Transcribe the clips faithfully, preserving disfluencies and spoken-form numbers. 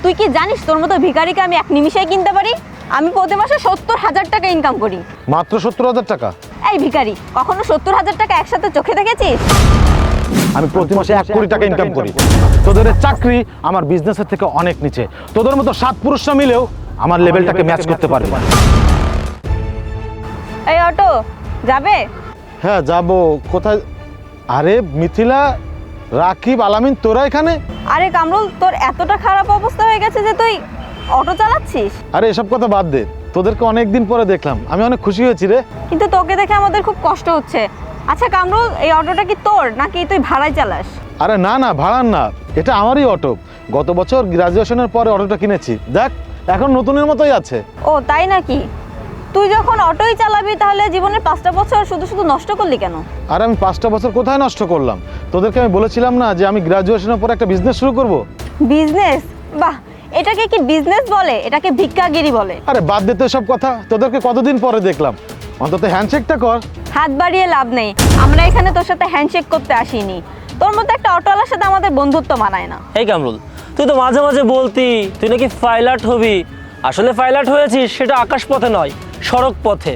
তুই কি জানিস তোর মতো ভিখারিকে আমি এক নিমিষেই কিনতে পারি? আমি প্রতি মাসে সত্তর হাজার টাকা ইনকাম করি। মাত্র সত্তর হাজার টাকা? এই ভিখারি, কখনো সত্তর হাজার টাকা একসাথে চোখে দেখেছিস? আমি প্রতি মাসে এক কোটি টাকা ইনকাম করি। তোদের চাকরি আমার বিজনেসের থেকে অনেক নিচে। তোদের মতো সাত পুরুষরা মিলেও আমার লেভেলটাকে ম্যাচ করতে পারবে না। এই অটো যাবে? হ্যাঁ যাব। কোথায়? আরে মিথিলা, রাকিব, আলামিন, তোরা এখানে? আরে কামরুল, তোর এতটা খারাপ অবস্থা হয়ে গেছে যে তুই অটো চালাচ্ছিস? আরে এসব কথা বাদ দে, তোদেরকে অনেকদিন পরে দেখলাম, আমি অনেক খুশি হয়েছি রে। কিন্তু তোকে দেখে আমাদের খুব কষ্ট হচ্ছে। আচ্ছা কামরুল, এই অটোটা কি তোর নাকি তুই ভাড়ায় চালাস? আরে না না, ভাড়ার না, এটা আমারই অটো। গত বছর গ্রাজুয়েশনের পরে অটোটা কিনেছি, দেখ এখন নতুনের মতোই আছে। ও তাই নাকি? তুই যখন অটোই চালাবি তাহলে জীবনের পাঁচটা বছর শুধু শুধু নষ্ট করলি কেন? আর আমি পাঁচটা বছর কোথায় নষ্ট করলাম? তোদেরকে আমি বলেছিলাম না যে আমি গ্রাজুয়েশনের পর একটা বিজনেস শুরু করব। বিজনেস? বাহ, এটাকে কি বিজনেস বলে? এটাকে ভিক্ষাগিরি বলে। আরে বাদ দে তো সব কথা, তোদেরকে কতদিন পরে দেখলাম, অন্তত হ্যান্ডশেকটা কর। হাত বাড়িয়ে লাভ নেই, আমরা এখানে তোর সাথে হ্যান্ডশেক করতে আসিনি। তোর মতো একটা অটোওয়ালার সাথে আমাদের বন্ধুত্ব মানায় না। এই কামরুল, তুই তো মাঝে মাঝে বলতি তুই নাকি পাইলট হবি। আসলে পাইলট হয়েছিস সেটা আকাশ পথে নয়, সড়ক পথে।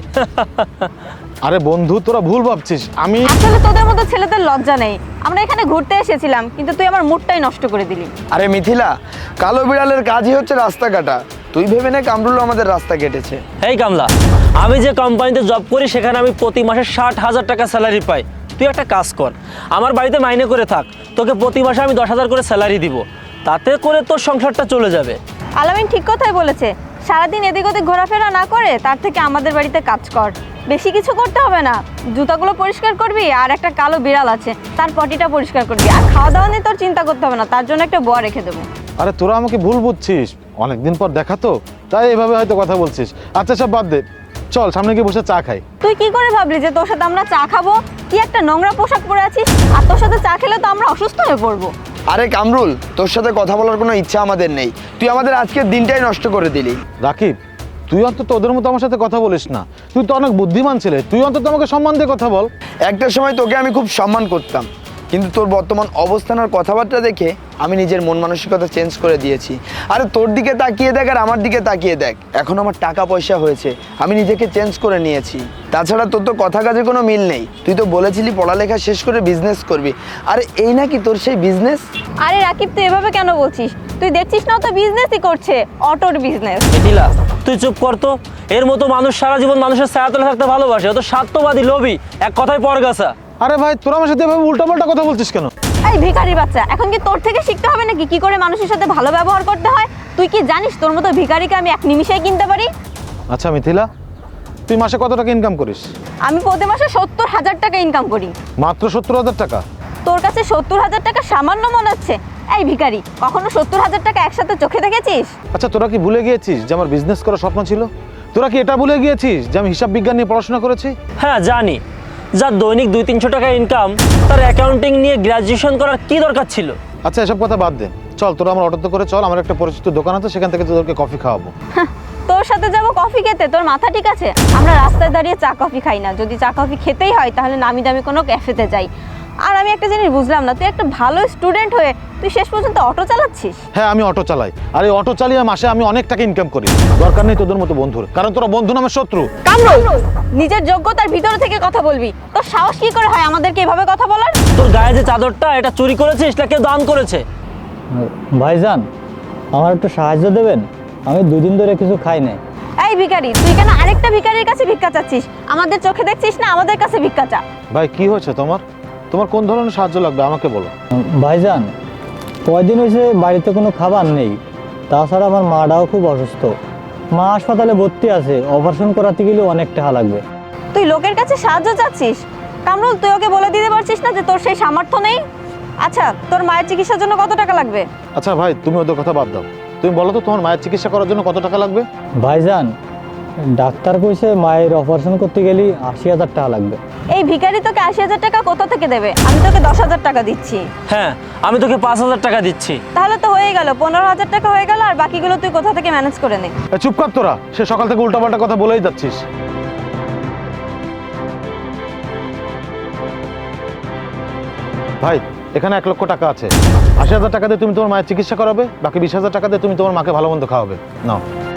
আরে বন্ধু, তোরা ভুল ভাবছিস। আমি আসলে তোদের মতো ছেলেদের লজ্জা নেই। আমরা এখানে ঘুরতে এসেছিলাম, কিন্তু তুই আমার মুডটাই নষ্ট করে দিলি। আরে মিথিলা, কালো বিড়ালের কাজই হচ্ছে রাস্তা কাটা। তুই ভেবে নে কামরুল আমাদের রাস্তা কেটেছে। এই কামলা, আমি যে কোম্পানিতে জব করি সেখানে আমি প্রতি মাসে ষাট হাজার টাকা স্যালারি পাই। তুই একটা কাজ কর, আমার বাড়িতে মাইনে করে থাক, তোকে প্রতি মাসে আমি দশ হাজার করে স্যালারি দিব। তাতে করে তোর সংসারটা চলে যাবে। আলামিন ঠিক কথাই বলেছে। সারাদিন এদিক ওদিক ঘোরাফেরা না করে তার থেকে আমাদের বাড়িতে কাজ কর। বেশি কিছু করতে হবে না, জুতাগুলো পরিষ্কার করবি, আর একটা কালো বিড়াল আছে তার পটিটা পরিষ্কার করবি, আর খাওয়া দাওয়া নিয়ে তোর চিন্তা করতে হবে না, তার জন্য একটা বুয়া রেখে দেবো। আরে তোরা আমাকে ভুল বুঝছিস, অনেকদিন পর দেখা তো, তাই এভাবে হয়তো কথা বলছিস। আচ্ছা সব বাদ দে, চল সামনে গিয়ে বসে চা খাই। তুই কি করে ভাবলি যে তোর সাথে আমরা চা খাবো? কি একটা নোংরা পোশাক পরে আছিস, আর তোর সাথে চা খেলে তো আমরা অসুস্থ হয়ে পড়বো। আরে কামরুল, তোর সাথে কথা বলার কোনো ইচ্ছা আমাদের নেই। তুই আমাদের আজকের দিনটাই নষ্ট করে দিলি। রাকিব, তুই অন্তত ওদের মতো আমার সাথে কথা বলিস না। তুই তো অনেক বুদ্ধিমান ছেলে, তুই অন্তত আমাকে সম্মান দিয়ে কথা বল। একটা সময় তোকে আমি খুব সম্মান করতাম, কিন্তু তোর বর্তমান অবস্থান আর কথাবার্তা দেখে আমি নিজের মন মানসিকতা চেঞ্জ করে দিয়েছি। আরে তোর দিকে তাকিয়ে দেখ আর আমার দিকে তাকিয়ে দেখ, এখন আমার টাকা পয়সা হয়েছে, আমি নিজেকে চেঞ্জ করে নিয়েছি। তাছাড়া তোর তো কথা কাজে কোনো মিল নেই। তুই তো বলেছিলি পড়ালেখা শেষ করে বিজনেস করবি, আরে এই নাকি তোর সেই বিজনেস? আরে রাকিব, তুই এভাবে কেন বলছিস? তুই দেখছিস না, ও তো বিজনেসই করছে, অটোর বিজনেস। মিথিলা, তুই চুপ কর তো। এর মতো মানুষ সারা জীবন মানুষের ছায়াতলে থাকতে ভালোবাসে, ও তো স্বার্থবাদী, লোভী, এক কথায় পরগাছা। আরে ভাই, তোরা আমার সাথে এভাবে উল্টাপাল্টা কথা বলছিস কেন? এই ভিখারি বাচ্চা, এখন কি তোর থেকে শিখতে হবে নাকি কি করে মানুষের সাথে ভালো ব্যবহার করতে হয়? তুই কি জানিস তোর মতো ভিখারিকে আমি এক নিমিষেই কিনতে পারি? আচ্ছা মিথিলা, তুই মাসে কত টাকা ইনকাম করিস? আমি প্রতি মাসে সত্তর হাজার টাকা ইনকাম করি। মাত্র সত্তর হাজার টাকা? তোর কাছে সত্তর হাজার টাকা সামান্য মনে হচ্ছে? এই ভিখারি, কখনো সত্তর হাজার টাকা একসাথে চোখে দেখেছিস? আচ্ছা তোরা কি ভুলে গিয়েছিস যে আমার বিজনেস করার স্বপ্ন ছিল? তোরা কি এটা ভুলে গিয়েছিস যে আমি হিসাব বিজ্ঞান নিয়ে পড়াশোনা করেছি? হ্যাঁ জানি, যার দৈনিক দুই তিনশো টাকা ইনকাম, তার অ্যাকাউন্টিং নিয়ে গ্র্যাজুয়েশন করার কি দরকার ছিল? আচ্ছা এসব কথা বাদ দে, চল তোরা আমার অটোতে করে চল, আমার একটা পরিচিত দোকান আছে, সেখান থেকে তোদেরকে কফি খাওয়াবো। হাহ, তোর সাথে যাবো কফি খেতে? তোর মাথা ঠিক আছে? আমরা রাস্তায় দাঁড়িয়ে চা কফি খাই না, যদি চা কফি খেতেই হয় তাহলে নামি দামি কোনো ক্যাফেতে যাই। আর আমি একটা জিনিস বুঝলাম না, তুই একটা ভালো স্টুডেন্ট হয়ে তুই শেষ পর্যন্ত অটো চালাচ্ছিস? হ্যাঁ আমি অটো চালাই, আর এই অটো চালিয়ে মাসে আমি অনেক টাকা ইনকাম করি। দরকার নেই তোদের মতো বন্ধুর, কারণ তোরা বন্ধু নামের শত্রু। কামরুল, নিজের যোগ্যতার ভিতর থেকে কথা বলবি। তোর সাহস কি করে হয় আমাদেরকে এভাবে কথা বলার? তোর গায়ে যে চাদরটা, এটা চুরি করেছিস না কেউ দান করেছে? ভাইজান, আমার একটু সাহায্য দেবেন? আমি দুদিন ধরে কিছু খাই নাই। এই ভিখারি, তুই কেন আরেকটা ভিখারির কাছে ভিক্ষা চাচ্ছিস? আমাদের চোখে দেখছিস না, আমাদের কাছে ভিক্ষা চা। ভাই কি হয়েছে তোমার? তোমার কোন ধরনের সাহায্য লাগবে আমাকে বলো। ভাইজান, কয়দিন হয়েছে বাড়িতে কোনো খাবার নেই, তাছাড়া আমার মাটাও খুব অসুস্থ। মা হাসপাতালে ভর্তি আছে, অপারেশন করাতে গেলে অনেক টাকা লাগবে। তুই লোকের কাছে সাহায্য চাচ্ছিস? কামরুল, তুই ওকে বলে দিতে পারছিস না যে তোর সেই সামর্থ্য নেই? আচ্ছা, তোর মায়ের চিকিৎসার জন্য কত টাকা লাগবে? আচ্ছা ভাই, তুমি ওদের কথা বাদ দাও, তুমি বলো তো তোমার মায়ের চিকিৎসা করার জন্য কত টাকা লাগবে? ভাইজান, ডাক্তার কইছে মায়ের অপারেশন করতে গেলে আশি হাজার টাকা লাগবে। এই ভিখারি তোকে আশি হাজার টাকা কোথা থেকে দেবে? আমি তোকে দশ হাজার টাকা দিচ্ছি। হ্যাঁ, আমি তোকে পাঁচ হাজার টাকা দিচ্ছি। তাহলে তো হয়ে গেল, পনেরো হাজার টাকা হয়ে গেল, আর বাকিগুলো তুই কোথা থেকে ম্যানেজ করে নে। এ, চুপ কর তোরা, সে সকাল থেকে উল্টাপাল্টা কথা বলেই যাচ্ছিস। ভাই এখানে এক লক্ষ টাকা আছে। আশি হাজার টাকা দিয়ে তুমি তোমার মায়ের চিকিৎসা করাবে, বাকি বিশ হাজার টাকা দিয়ে তুমি তোমার মাকে ভালো মন্দ খাওয়াবে। নাও।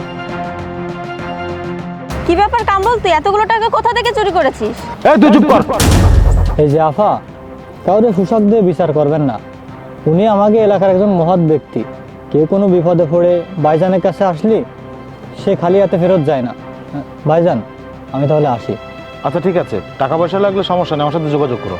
কি ব্যাপার কামরুল, তুই এতগুলো টাকা কোথা থেকে চুরি করেছিস? এই তুই চুপ কর। এই যে আফা, কাউরে সুশাক দিয়ে বিচার করবেন না। উনি আমাকে এলাকার একজন মহৎ ব্যক্তি। কেউ কোনো বিপদে পড়ে ভাইজানের কাছে আসলি সে খালি হাতে ফেরত যায় না। ভাইজান, আমি তাহলে আসি। আচ্ছা ঠিক আছে, টাকা পয়সা লাগলে সমস্যা নেই, আমার সাথে যোগাযোগ করো।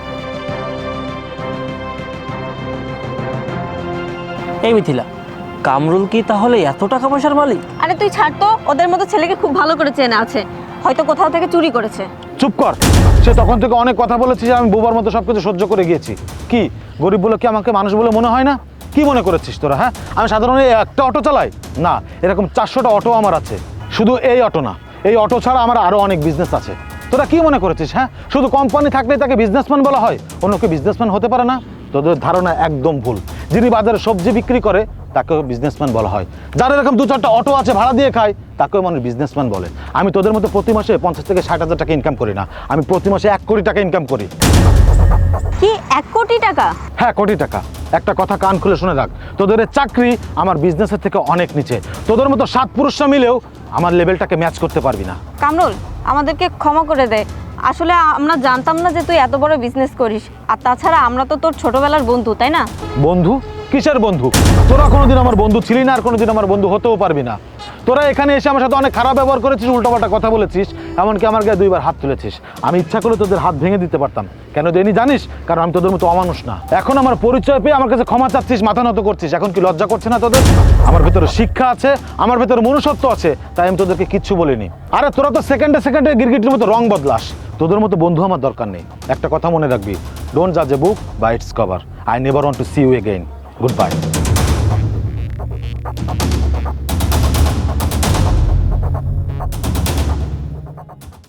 এই মিথিলা, কামরুল কি তাহলে এত টাকা পয়সার মালিক? আরে তুই ছাড় তো, ওদের মতো ছেলেকে খুব ভালো করে চেনা আছে, হয়তো কোথাও থেকে চুরি করেছে। চুপ কর। সে তখন থেকে অনেক কথা বলেছে যে আমি বুবার মতো সবকিছু সহ্য করে গিয়েছি। কি গরিব বলে কি আমাকে মানুষ বলে মনে হয় না? কি মনে করেছিস তোরা? হ্যাঁ, আমি সাধারণত এই একটা অটো চালাই না, এরকম চারশোটা অটো আমার আছে। শুধু এই অটো না, এই অটো ছাড়া আমার আরো অনেক বিজনেস আছে। তোরা কি মনে করেছিস? হ্যাঁ, শুধু কোম্পানি থাকলেই তাকে বিজনেসম্যান বলা হয়, অন্য কেউ বিজনেসম্যান হতে পারে না? তোদের ধারণা একদম ভুল। যিনি বাজারে সবজি বিক্রি করে তাকেও বিজনেসম্যান বলা হয়। যারা এরকম দু চারটা অটো আছে ভাড়া দিয়ে খায় তাকেও মানুষ বিজনেসম্যান বলে। আমি তোদের মতো প্রতি মাসে পঞ্চাশ থেকে ষাট হাজার টাকা ইনকাম করি না, আমি প্রতি মাসে এক কোটি টাকা ইনকাম করি। কি এক কোটি টাকা? হ্যাঁ, কোটি টাকা। একটা কথা কান খুলে শুনে রাখ, তোদের এই চাকরি আমার বিজনেসের থেকে অনেক নিচে। তোদের মতো সাত পুরুষরা মিলেও আমার লেভেলটাকে ম্যাচ করতে পারবি না। কামরুল, আমাদেরকে ক্ষমা করে দে, আসলে আমরা জানতাম না যে তুই এত বড় বিজনেস করিস। আর তাছাড়া আমরা তো তোর ছোটবেলার বন্ধু, তাই না? বন্ধু? কিসের বন্ধু? তোরা কোনোদিন আমার বন্ধু ছিলি না, আর কোনোদিন আমার বন্ধু হতেও পারবি না। তোরা এখানে এসে আমার সাথে অনেক খারাপ ব্যবহার করেছিস, উল্টোপাল্টা কথা বলেছিস, এমনকি আমার গায়ে দুইবার হাত তুলেছিস। আমি ইচ্ছা করে তোদের হাত ভেঙে দিতে পারতাম। কেন দেনি জানিস? কারণ আমি তোদের মতো অমানুষ না। এখন আমার পরিচয় পেয়ে আমার কাছে ক্ষমা চাচ্ছিস, মাথা নত করছিস। এখন কি লজ্জা করছে না তোদের? আমার ভেতরে শিক্ষা আছে, আমার ভেতরে মনুষ্যত্ব আছে, তাই আমি তোদেরকে কিচ্ছু বলিনি। আরে তোরা তো সেকেন্ডে সেকেন্ডে গিরগিটির মতো রং বদলাস। তোদের মতো বন্ধু আমার দরকার নেই। একটা কথা মনে রাখবি, ডোন্ট জাজ a book by its cover. I never want to see you again. Good by.